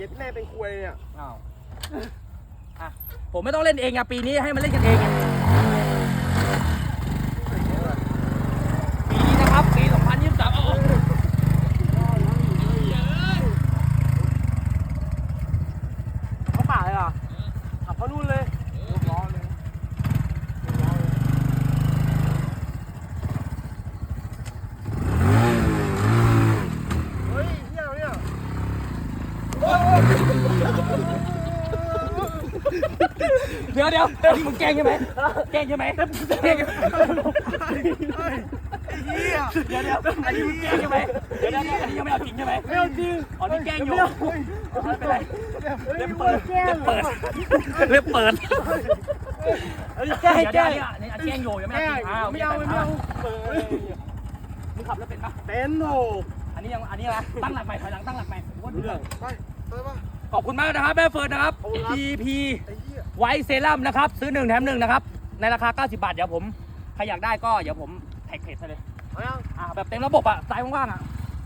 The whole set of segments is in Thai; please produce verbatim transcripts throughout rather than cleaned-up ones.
ย็ดแม่เป็นควยเนี่ยอ้าวอ่ะผมไม่ต้องเล่นเองอะปีนี้ให้มันเล่นกันเองไงปีนี้นะครับปีสองพันยี่สิบสามเอาเขาป่าเลยอ่ะขับเขานู่นเลยร้อนเลยเฮ้ยเที่ยวเนี่ยเดี๋ยวเดี๋ยวอันนี้มึงแกล้งใช่ไหมแกล้งใช่ไหมแกล้งใช่ไหมเฮียเดี๋ยวเดี๋ยวอันนี้มึงแกล้งใช่ไหมเดี๋ยวเดี๋ยวอันนี้ยังไม่เอาจริงใช่ไหมไม่เอาจริงอ๋อนี่แกล้งอยู่ไม่เป็นไรเล็เล็บบเปิดแก้เล็มบเปิดเล็บเปิดแก้ให้แก้เดี๋ยวอันนี้อันนี้แกล้งอยู่ยังไม่แก้เอาจริงอ้าวไม่เอาไม่เอาเปิดมึงขับแล้วเป็นปะเป็นโหอันนี้ยังอันนี้อะไรตั้งหลักใหม่ถอยหลังตั้งหลักใหม่ผมว่าเรื่องไปไปป่ะขอบคุณมากนะครับแม่เฟิร์นนะครับขอบคุณครับพี พีไอ้เหี้ยไวท์เซรั่มนะครับซื้อหนึ่งแถมหนึ่งนะครับในราคาเก้าสิบบาทเดี๋ยวผมใครอยากได้ก็เดี๋ยวผมแท็กเพจให้เลยเอายังอ่าแบบเต็มระบบอ่ะสายว่างๆอ่ะ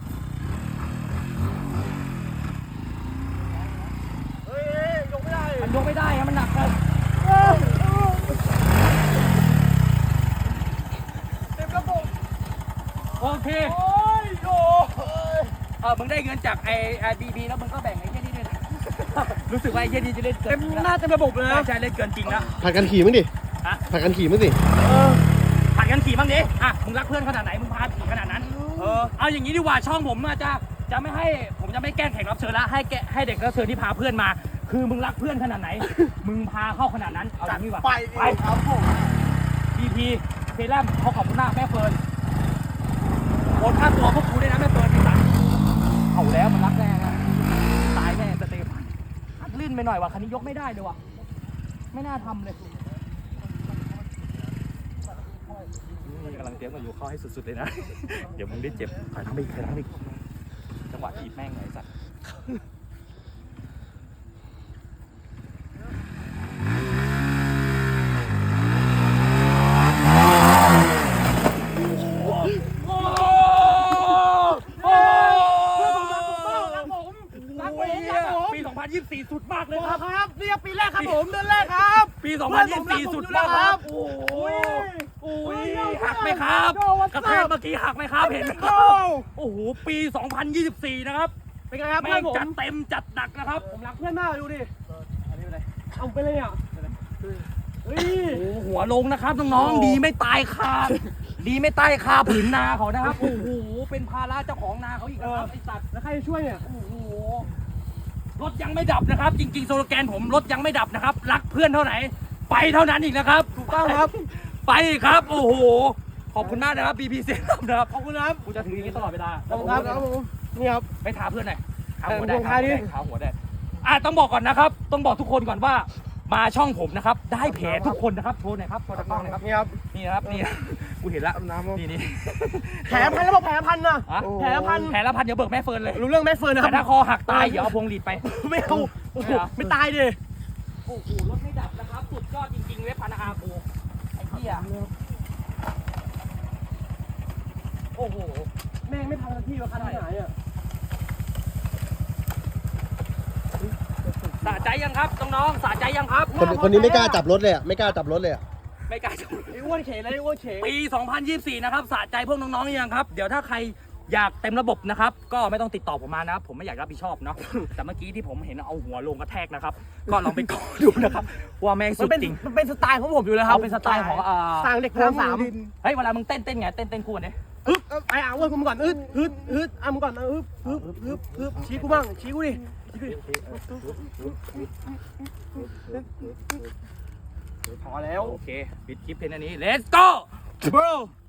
เฮ้ยยกไม่ได้มันยกไม่ได้ครับมันหนักเลยเต็มระบบโอเคโอ้ยโอ้เออมึงได้เงินจากไอ้ไอ้บีบีแล้วมึงก็แบ่งไอ้เหี้ยนี่ด้วยนะ รู้สึกว่าไอ้เหี้ยนี่จะเล่นเกิเต็นมจริงหแล้น้าว เต็มระบบเลยใช่นะใช่เล่นเกินจริงแล้วผัดกันขี่มั้งดิฮะผัดกันขี่มั้งสิเออผัดกันขี่บ้างดิอ่ะมึงรักเพื่อนขนาดไหนมึงพาขี่ขนาดนั้นเออเอาอย่างนี้ดีกว่าช่องผมอาจจะจะไม่ให้ผมจะไม่แกล้งแขกรับเชิญละให้แกให้เด็กรับเชิญที่พาเพื่อนมา คือมึงรักเพื่อนขนาดไหน มึงพาเข้าขนาดนั้นเอาอย่างนี้ดีกว่าไปไปครับผมบีพีเซรั่มเขาขอบคุณมากแม่เฟิร์นโอนค่าตัวพวกกูด้วยนะแม่เฟิร์นไอ้สัตว์เอาแล้วมันรักแน่นะตายแน่สเตฟานอัดลื่นไปหน่อยว่ะคันนี้ยกไม่ได้เลยว่ะไม่น่าทำเลยนี่กำลังเตรียมกันอยู่เข้าให้สุดๆเลยนะ เดี๋ยวมึงได้เจ็บถอยทำไปอีกถอยทำไปอีกจังหวะถีบแม่งไงไอ้สัตว์ปีสองพันยี่สิบสี่สุดมากเลยครับครับนี่ปีแรกครับผมเดือนแรกครับปีสองพันยี่สิบสี่สุดมากครับ โอ้โหอุ้ยหักไหมครับกระแทกเมื่อกี้หักไหมครับเห็นไหมครับโอ้โหปีสองพันยี่สิบสี่นะครับเป็นไงครับแม่เพื่อง นผมจัดเต็มจัดหนักนะครับผมรักเพื่อนมากดูดิอันนี้เป็นไรเอาไปเลยอ่ะเฮ้ยโอ้โหหัวลงนะครับน้องๆดีไม่ตายคาดีไม่ตายคาผืนนาเขานะครับโอ้โหเป็นภาระเจ้าของนาเขาอีกนะครับไอ้สัตว์แล้วใครจะช่วยเนี่ยโอ้โหรถยังไม่ดับนะครับ จริงๆโซโลแกนผมรถยังไม่ดับนะครับ รักเพื่อนเท่าไหน ไปเท่านั้นอีกนะครับถูกต้องครับไปครับโอ้โหขอบคุณมากนะครับบีบีเซรั่มนะครับขอบคุณครับกูจะถืออย่างนี้ตลอดเวลาขอบคุณครับครับผมนี่ครับไปทาเพื่อนหน่อยขาเออหัวได้ลงขาท้ายหัวดิได้ขาหัวได้อ่ะต้องบอกก่อนนะครับ ต้องบอกทุกคนก่อนว่า มาช่องผมนะครับ ได้แผลทุกคนนะครับโชว์หน่อยครับโชว์ตะกล้องหน่อยครับนี่ครับนี่นะครับนี่กูเห็นละน้ำนี่นี่แผลพันแล้วบอกแผลพันนะฮะแผลพันแผลละพันเดี๋ยวเบิกแม่เฟิร์นเลยรู้เรื่องแม่เฟิร์นนะคแต่รับถ้าคอหักตายเดี๋ยวเอาพวงหลีดไปไม่เอาโอ้โหไม่ตายดิโอ้โหรถไม่ดับนะครับ สุดยอดจริงๆเว็บพันอากูไอ้เหี้ยโอ้โหแม่งไม่พังทันทีว่าคันไหนอ่ะสะใจยังครับน้องๆสะใจยังครับคนคนนี้ไม่กล้าจับรถเลยอ่ะ ไม่กล้าจับรถเลยอ่ะไม่กล้าจะไอ้อ้วนเขยแล้วไอ้อ้วนเขยปี สองพันยี่สิบสี่ นะครับสะใจพวกน้องๆยังครับ เดี๋ยวถ้าใครอยากเต็มระบบนะครับ ก็ไม่ต้องติดต่อผมมานะครับ ผมไม่อยากรับผิดชอบเนาะ แต่เมื่อกี้ที่ผมเห็นเอาหัวลงกระแทกนะครับ ก็ลองไปกอดูนะครับ ว่าแม่งมัสุนดเป็นจริงมันเป็นสไตล์ของผมอยู่แล้วครับเอาเป็นสไตล์ของอ่าสร้างเด็กพลังสามเฮ้ยเวลามึงเต้นเต้นไงเต้นเต้นคู่กันดิฮึบไอ้อ่ะอ้วนกูมาก่อนอึดฮึดฮึดอ่ะมึงก่อนนะฮึบฮึบฮึบฮึบชี้กูบ้างชี้กูดิพอแล้วโอเคปิดคลิปเพลงอันนี้ let's go bro